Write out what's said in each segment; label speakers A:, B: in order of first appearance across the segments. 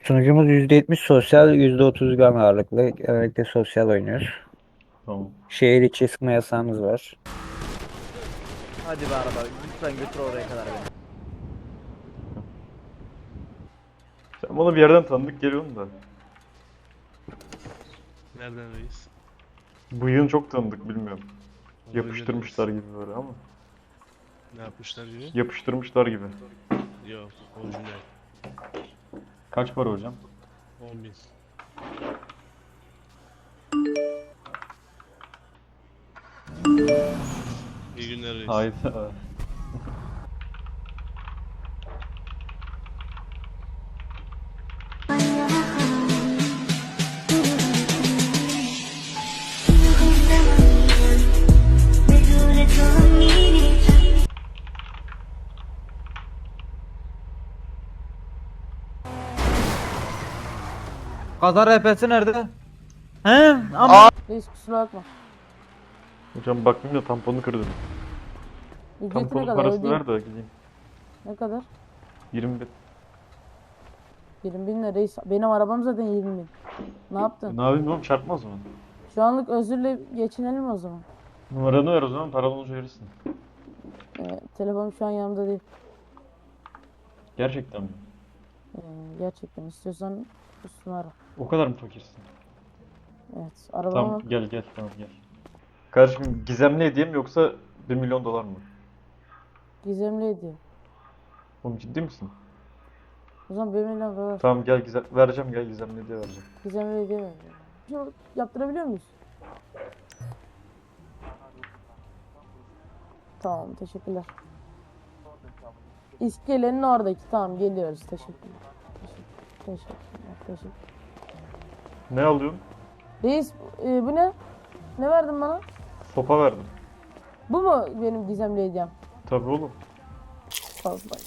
A: Sunucumuz %70 sosyal, %30 gram ağırlıklı. Genellikle sosyal oynuyoruz.
B: Tamam.
A: Şehir içi sıkma yasağımız var.
C: Hadi be araba lütfen götür oraya kadar beni.
B: Sen bana bir yerden tanıdık geliyorsun da.
D: Nereden reis?
B: Bıyığın çok tanıdık bilmiyorum.
D: Olabilir
B: Yapıştırmışlar
D: reis.
B: gibi böyle ama.
D: Ne yapmışlar gibi?
B: Yapıştırmışlar gibi.
D: Yok, orijinal.
B: Kaç para hocam?
D: 10.000. İyi günler reis.
B: Hayda.
C: Kaza RP'si nerede? He? Ama
E: Reis kusura bakma.
B: Hocam bakmayayım da tamponu kırdım.
E: Ücreti ne
B: Tamponun
E: kadar
B: parasını
E: ödeyeyim?
B: ver de gideyim.
E: Ne kadar?
B: 20 bin.
E: 20 bin lira reis. Benim arabam zaten 20 bin. Ne yaptın?
B: Ne yapayım oğlum, çarpmaz mı?
E: Şu anlık özürle geçinelim o zaman.
B: Numaranı ver o zaman, paran olunca verirsin.
E: Telefonum şu an yanımda değil.
B: Gerçekten mi?
E: Gerçekten istiyorsan üstüne ara.
B: O kadar mı fakirsin?
E: Evet. Arabama
B: Tamam gel tamam gel. Kardeşim gizemli hediye mi yoksa 1 milyon dolar mı?
E: gizemli hediye.
B: Oğlum ciddi misin?
E: O zaman 1 milyon dolar.
B: Tamam gel vereceğim, gel gizemli hediye vereceğim.
E: Gizemli hediye ver. Şunu yaptırabiliyor muyuz? Tamam teşekkürler. İskelenin oradaki tamam geliyoruz teşekkürler. Teşekkürler.
B: Ne alıyorsun?
E: Reis bu ne? Ne verdin bana?
B: Sopa verdim.
E: Bu mu benim gizemli hediyem?
B: Tabii oğlum.
E: Fazla.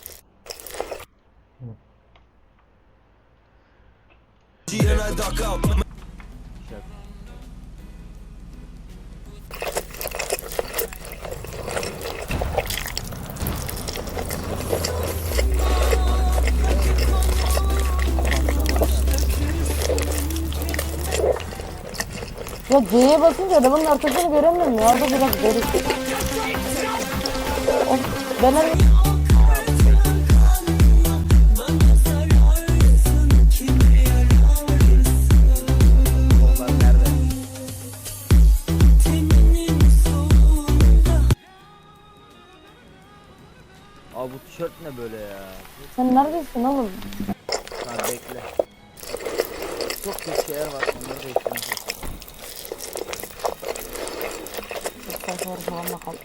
E: Ya C'ye basınca adamın arkasını göremiyorum ya. Orada biraz garip. Of, ben hani...
C: onlar nerede? Abi bu tişört ne böyle ya?
E: Sen neredesin oğlum?
C: Ha bekle. Çok kötü şeyler var. Onları değiştirmek istiyorum.
E: Sayfaları falan bakalım.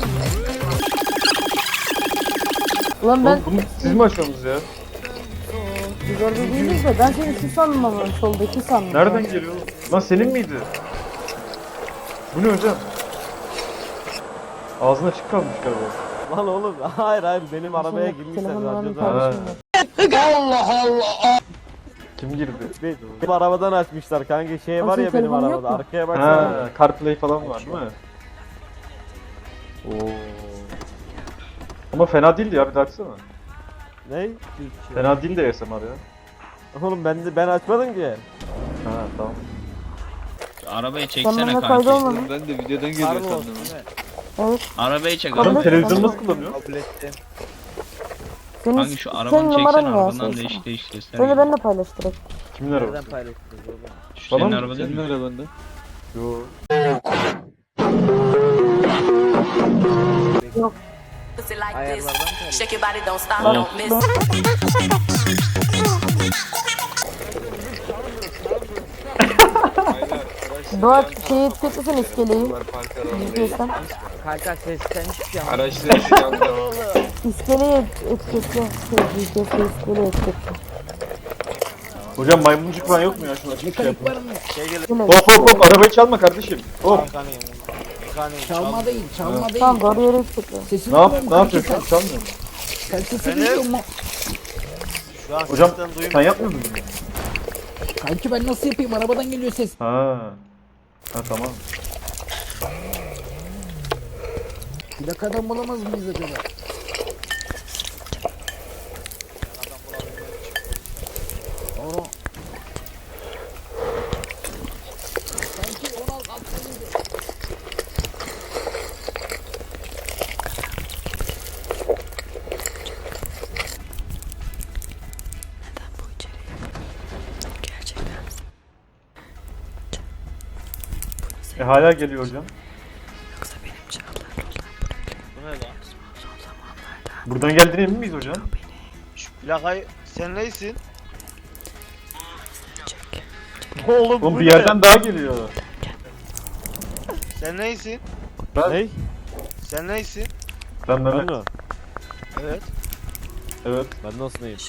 E: Ulan ben
B: Oğlum bunu siz mi açıyorsunuz ya?
E: biz orada değiliz de ben seni şu sandım ama soldaki sandım.
B: Nereden geliyor oğlum? Lan senin miydi? Bu ne hocam? Ağzına açık kalmış galiba.
C: Lan oğlum hayır benim arabaya girmişler.
E: Telefonla
C: radyoda.
E: paylaşım yok.
B: Kim girdi?
C: Benim arabadan açmışlar kanka şey var
E: Senin
C: ya benim
E: telefonun yok
C: arabada.
E: mu?
C: Arkaya baksana.
B: Ha, CarPlay falan var değil mi? Oo. Ama fena değildi ya, bir de açsana.
C: Ne?
B: Fena değil de ASMR ya.
C: Oğlum ben açmadım ki.
B: Ha tamam.
F: Arabayı
E: Sen
F: çeksene
E: bana
F: kanki.
E: kaydolmadın.
F: Ben de videodan
C: Harbi
F: geliyor
C: olsun
F: sandım.
C: değil mi?
E: Evet.
F: Arabayı çek
E: Kabul
B: Adam
F: arabayı.
E: et.
B: televizyonu
E: tamam.
B: nasıl kullanıyor?
C: Kabul ettim.
E: Senin,
F: Kanki şu
E: senin
F: arabanı
E: numaran
F: çeksene
E: ne ya?
F: arabadan
E: Söylesene.
F: değiş göster.
E: Söyle ben de paylaş direkt.
B: Kimin
C: Nereden
B: arabası?
C: paylaştınız oğlum?
F: Şu
B: Bana
F: senin
B: mı?
F: araba değil mi?
B: arabanda. Yo.
G: Pussy like this.
C: Ayarlardan paylaş.
G: Shake your body, don't stop,
B: Oh.
G: don't miss.
E: Doğaç şeyi etiketlesin iskeleyi. GPS'ten.
C: Kanka sesten hiçbir şey
F: Araçları silahlı.
E: İskeleyi etiketle. GPS'te iskeleyi etiketle.
B: Hocam maymuncuk falan yok mu ya? Şunu açıp şey yapın.
E: Yine.
B: Hop arabayı çalma kardeşim. Hop.
H: Çalma değil, çalma değil.
E: Tamam doğru yere etiketle.
H: Sesini
B: Ne
H: duyuyorum
B: yapıyorsun?
H: kanki,
B: Çalmıyor musun?
H: sen sesini duyuyor musun?
C: Şu an
B: Hocam
C: sesten duymuyorum.
B: sen yapmıyor musun bunu?
H: Kanki ben nasıl yapayım? Arabadan geliyor ses.
B: Ha. Ha tamam.
H: Plakadan bulamaz mıyız acaba? Onu. Sanki 16 altındaydı.
B: Hala geliyor hocam.
C: Bu ne lan?
B: Buradan geldiğine emin miyiz hocam?
C: Şu plakayı sen neysin? Oğlum
B: Oğlum
C: bu
B: bir
C: ne?
B: yerden daha geliyor.
C: Sen neysin?
B: Ben,
C: Sen neysin?
B: ben Mehmet.
C: Evet.
B: Evet.
I: Ben nasıl neyim?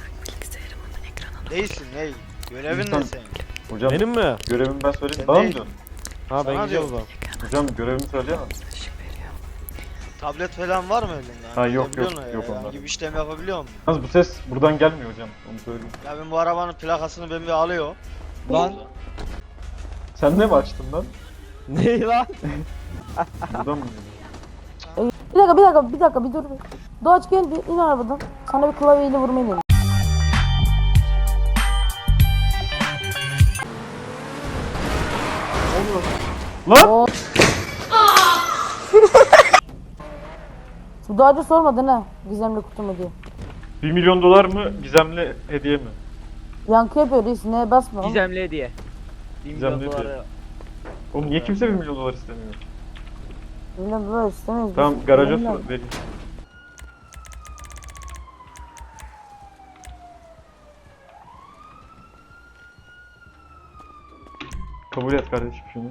C: Neysin ney? Görevin
B: İnsan-
C: ne senin?
B: Hocam
I: Benim mi?
B: görevimi ben söyleyeyim.
C: Sen
B: Bana mı
C: değil.
B: diyorsun?
I: Ha ben
C: Sana
I: gideceğim o zaman.
B: Hocam görevimi söyleyemem.
C: Tablet falan var mı elinde?
B: Ha, yok,
C: Biliyor
B: yok,
C: musun
B: yok
C: ya?
B: onlar.
C: Herhangi bir işlem yapabiliyor musun?
B: Yalnız bu ses buradan gelmiyor hocam. Onu söyleyeyim.
C: Ya ben bu arabanın plakasını ben bir alıyor.
H: Lan.
B: Sen ne mi açtın lan?
I: Ne lan?
B: Buradan mı geliyor?
E: Bir dakika bir dur. Doğaç gel bir in arabadan. Sana bir klavyeyle vurmayı dedim.
B: Lan!
E: Bu Doğaç'a sormadın ha. Gizemli kutu mu diye.
B: 1 milyon dolar mı? Gizemli hediye mi?
E: Yankı yapıyor reis. Neye basma. oğlum.
C: Gizemli hediye. 1
B: Gizemli
C: milyon
B: hediye.
C: doları.
B: Oğlum niye kimse 1 milyon dolar istemiyor?
E: Milyon dolar istemeyiz. biz.
B: Tamam garaja
E: Milyon.
B: vereyim. Kabul et kardeşim şunu.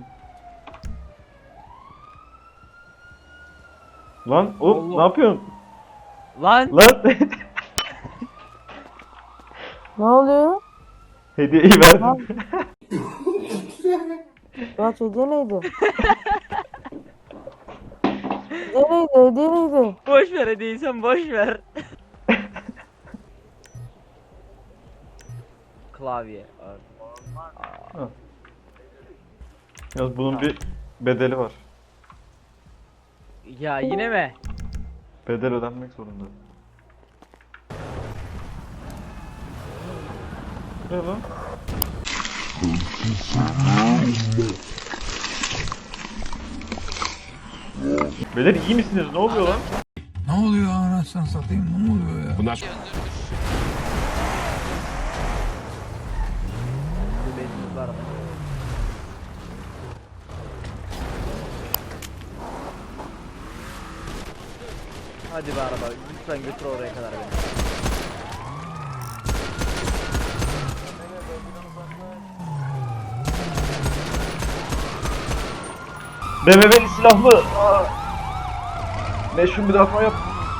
B: Lan oğlum ne yapıyorsun?
C: Lan!
B: Lan
E: Ne oluyor?
B: hediyeyi verdim.
E: Doğaç hediye neydi? Hediye neydi? Hediye neydi?
C: Boş ver hediyeyi sen boş ver. Klavye.
B: Yalnız bunun bir bedeli var.
C: Ya yine mi?
B: Bedel ödenmek zorunda. Ne lan? Beyler iyi misiniz? Ne oluyor lan?
H: Ne oluyor anasını satayım? Ne oluyor ya?
I: Bunlar
C: Hadi be araba lütfen götür oraya kadar beni.
B: BMW'li silahlı. Meşhur müdafaa yap.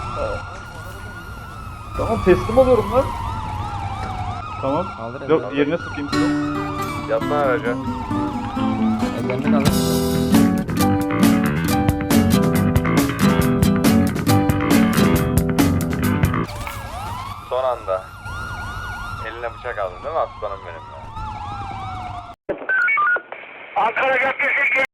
B: Tamam teslim oluyorum lan. Tamam. Yok yerine sıkayım.
A: Yapma araca.
C: Ellerinde kalır.
A: Son anda. Eline bıçak aldın değil mi aslanım benim ya?